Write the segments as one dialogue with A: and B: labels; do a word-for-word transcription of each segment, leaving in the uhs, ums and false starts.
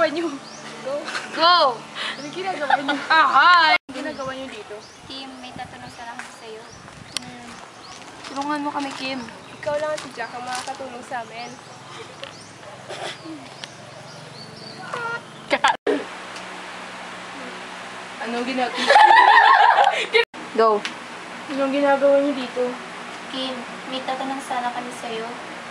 A: ginagawa niyo? Go.
B: Go!
A: Ano ginagawa niyo?
B: Ah, hi!
A: Ano ginagawa niyo dito?
B: Kim, may tatanong sana ako sa'yo. Hmm. Tulungan mo kami, Kim.
A: Ikaw lang at si Jack ang makakatulong sa amin. Anong ginagawa?
B: Go.
A: Anong ginagawa niyo dito?
B: Kim, may tatanong sana kami sa'yo.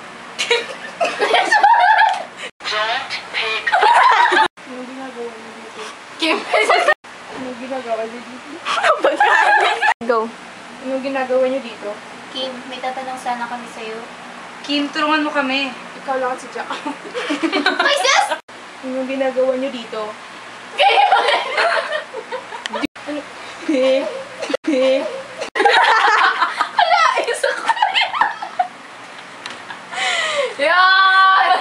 A: Anong ginagawa niyo dito?
B: Kim!
A: Anong ginagawa niyo dito?
B: Go.
A: Anong ginagawa niyo dito?
B: Kim, may tatanong sana kami sa'yo.
C: Kim, tulungan mo kami.
A: Ikaw lang at si Jack.
B: Ay, sis!
A: Anong ginagawa niyo dito? Ano? Eh? Eh?
B: Hala, isa ko na yan! Yan!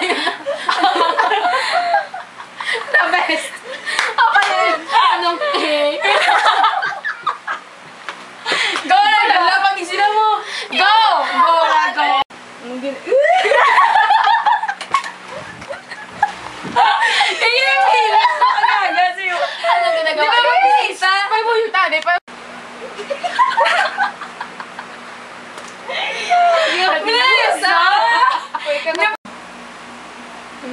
B: The best! Apa yun? Anong eh? Go na lang! Pag sila mo! Go! Go na, go!
A: Anong gin...
C: Kaya yung hilis na kagaga sa'yo.
B: Anong ginagawa?
C: Di ba mag-isa?
A: Pay mo yung tade, pay...
C: Bilis, ah!
A: Pay ka na... Ano?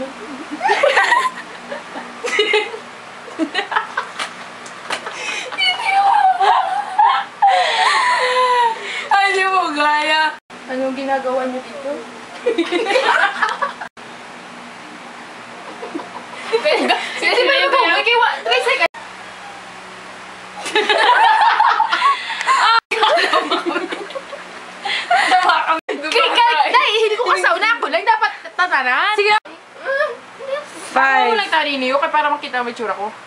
C: Ano mo, gaya?
A: Anong ginagawa niyo dito?
B: Sige, ba yung go? Okay, three seconds.
A: Dahil hindi ko kasauna ako lang dapat tatanan.
C: Sige.
A: Five. Ako
C: Five.
A: lang tari niyo kaya para makita mo yung tsura ko.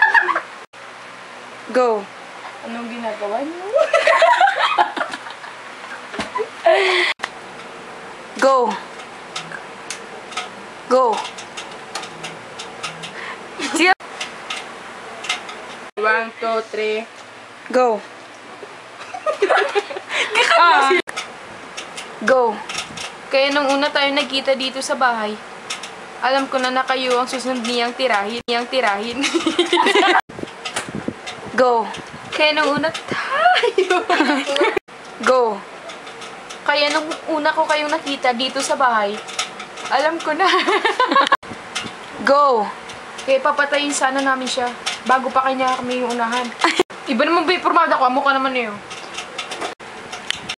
C: Go.
A: Anong ginagawa niyo?
C: Go. Go. Sige.
A: One, two, three.
C: Go. Ah. Go.
D: Kaya nung una tayo nagkita dito sa bahay, alam ko na na kayo ang susunod niyang tirahin. Niyang tirahin.
C: Go.
D: Kaya nung una tayo.
C: Go.
D: Kaya nung una ko kayong nakita dito sa bahay, alam ko na.
C: Go.
D: Kaya papatayin sana namin siya bago pa kanya kami yung unahan. Iba naman ba yung formada ko? Amo ka naman na yun.